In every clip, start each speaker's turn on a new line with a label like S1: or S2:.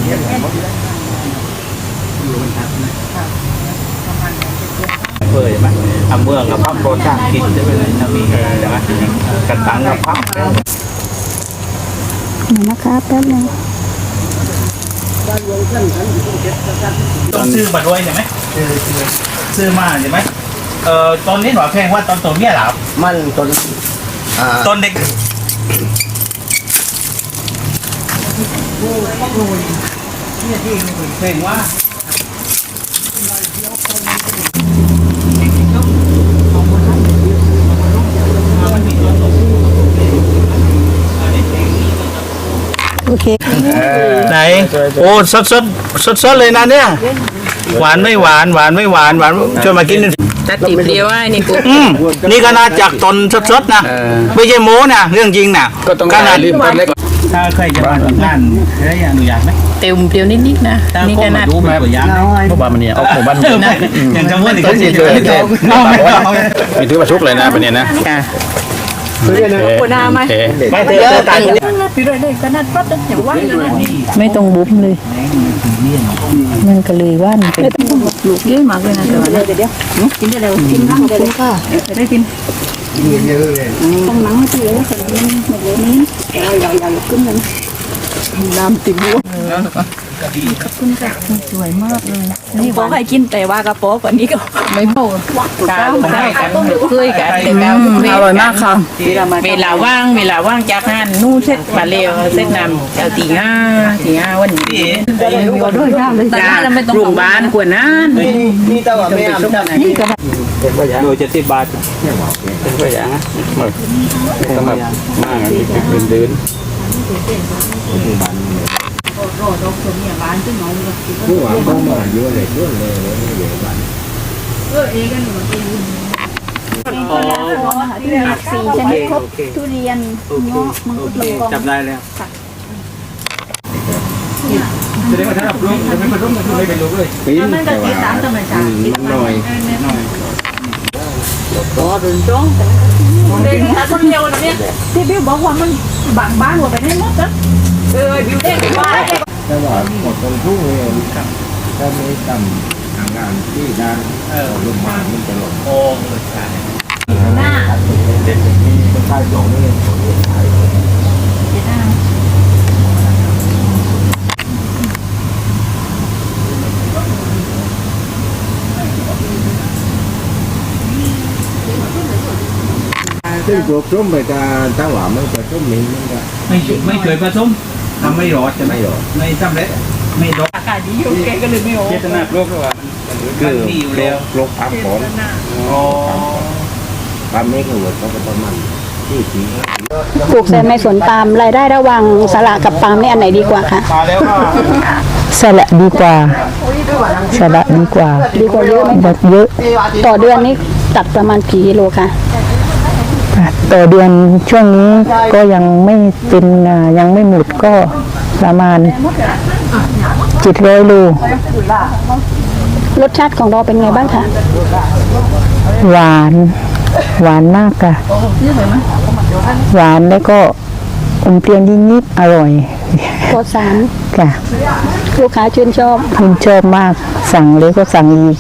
S1: เปื่อยไหมทำเมืองกับพับโรจ้างกินจะเป็นอะไรจะมีใช่ไหมกันตังกับพับ
S2: นะคะแป๊บนึง
S1: ต้องซื้อมาด้วยใช่ไหมซื้อมาใช่ไหมตอนนี้หน่อยแพงว่าตอนตัวเมียหรอ
S3: มัน
S1: ต้นเด็กเพลงว่า
S2: โอเค
S1: ไหนโอ้สดเลยนะเนี่ยหวานไม่หวานหวานไม่หวานหวานช่วยมากิน
S4: ตัดจีบเดียวว่านี่กู
S1: นี่ขนาดจากตนสดๆนะไม่ใช่โม้นะเรื่องจริงนะ
S3: ขนาดรีบต้นเล็ก
S1: ถ้าใครจะมาทำงานได้อนุญาตไหม
S4: เตียวนิดๆนะนี่ขนาด
S1: รู้ไหมตัวอย่าง
S3: เพราะว่ามันเนี่ยเอาของบ้าน
S1: อย่างจังหวัดนี้ก็เฉย
S3: ๆไม่ถือว่าชุกเลยนะเป็นเนี่ยนะ
S4: หัวหน้าไหม
S1: ไม่เยอะกัน
S4: พี่ด้วยเลยขนาดปั๊บอย่างว่าไม่ต้องบุ้มเลยมันก็เลยว่านลูกเยอะมากเลยนะแต่ว่าเดี๋ยวกินได้แล้วกินข้าวได้เลยค่ะได้กิน
S3: เยอะเลย
S2: ต้องนั่งไม่ได้เลยแต่มันหมดเลยนี้ยาวขึ้นเลยน้ำติ่มหัว
S4: ขอบคุณค่ะสวยมากเลย
S2: นี่บอกให้กินแต่ว่ากระโปงวันนี้ก็
S4: ไม่พอกาได้กันเคยกันอร่อยมากค่ะเวลาว่างจากงานนู่เสร็จมาเร็วเสร็จนำเอาตีห้าวันนี้
S2: ด้วยข้าวเลย
S4: โรงพยาบาลกว่านั้น
S3: นี่ตลอดไม่ทำนี่ก็
S1: เป็นตัวอย่างโดย70 บาท
S3: เป็นตัวอย่างนะต้องแบบมากเป็นเดินผู้หวังก็มาเยอะเลยบ้าน
S2: เองกันหมดเลย4 ชนิดครบทุเรียนเงาะมังคุดลงกอง
S1: จับได้แล้วจะได้มาทำร่วมไม่มาร่วมกันไม่เป็นรู้เลย
S2: มันก็ติดตามธรรมชาติ
S3: หน่อย
S4: ก็ดึงจ้อง
S2: เด็กแต่คนเดียวนะเนี่ยที่บิวบอกว่ามันบางบ้านหมดไปให้หมดนะบิวเด็กบ้าน
S3: แต่ว่าหมดตรงทุ่งเลยถ้าไม่ทำทางงานที่ด้านลงมามันจะหลง
S1: โอ้ใช่
S2: หน้า
S3: เด็กมีคนใต้สองนี่ซึ่งตัวส้มไปการตั้งหวานมันจะส้มมิ้นมันก็
S1: ไม่เคยผสมทำไม่รอดจะไม่สำเร็จไม่รอด
S2: อากาศดีอยู่แกก็เลยไม่ออก
S1: เจตนาโรคหรือว่า
S3: คือโรคพักผลความไม่คือว่าเขาเป็นต้นมันที่สี
S2: ปลูกในสวนปาล์มรายได้ระหว่างสละกับปาล์มนี่อันไหนดีกว่าคะ
S4: สละดีกว่าสละดีกว่า
S2: เยอะไหม
S4: เยอะ
S2: ต่อเดือนนี้ตัดประมาณกี่กิโลคะ
S4: ต่อเดือนช่วงนี้ก็ยังไม่เป็นยังไม่หมดก็ประมาณ700 โล
S2: รสชาติของเราเป็นไงบ้างคะ
S4: หวานมากค่ะหวานแล้วก็อมเปรี้ยวนิดๆอร่อย
S2: ปลอดสาร
S4: ค่ะ
S2: ลูกค้าชื่นชอบ
S4: มากสั่งเลยก็สั่งอีก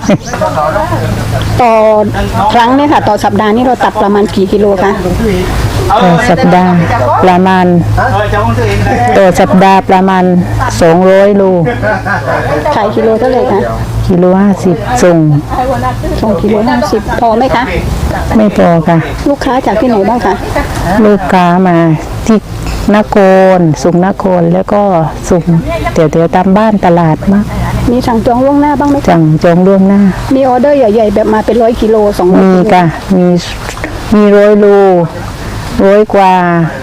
S2: ต่อครั้งเนี่ยค่ะต่อสัปดาห์นี้เราตัดประมาณกี่กิโลคะ
S4: ต่อสัปดาห์ประมาณ200 โล
S2: ขายกิโลเท่าไหร่คะ
S4: กิโล50ส่ง
S2: กิโล50พอไหมคะ
S4: ไม่พอค่ะ
S2: ลูกค้าจากที่ไหนบ้างคะ
S4: ลูกค้ามาที่นครสุงนครแล้วก็สุงเดี๋ยวตามบ้านตลาดมาก
S2: มีสั่งจองล่วงหน้าบ้างไหม
S4: สั่งจองล่วงหน้า
S2: มีออเดอร์ใหญ่ๆแบบมาเป็น100 กิโล200
S4: มีค่ะมี100 โล100 กว่า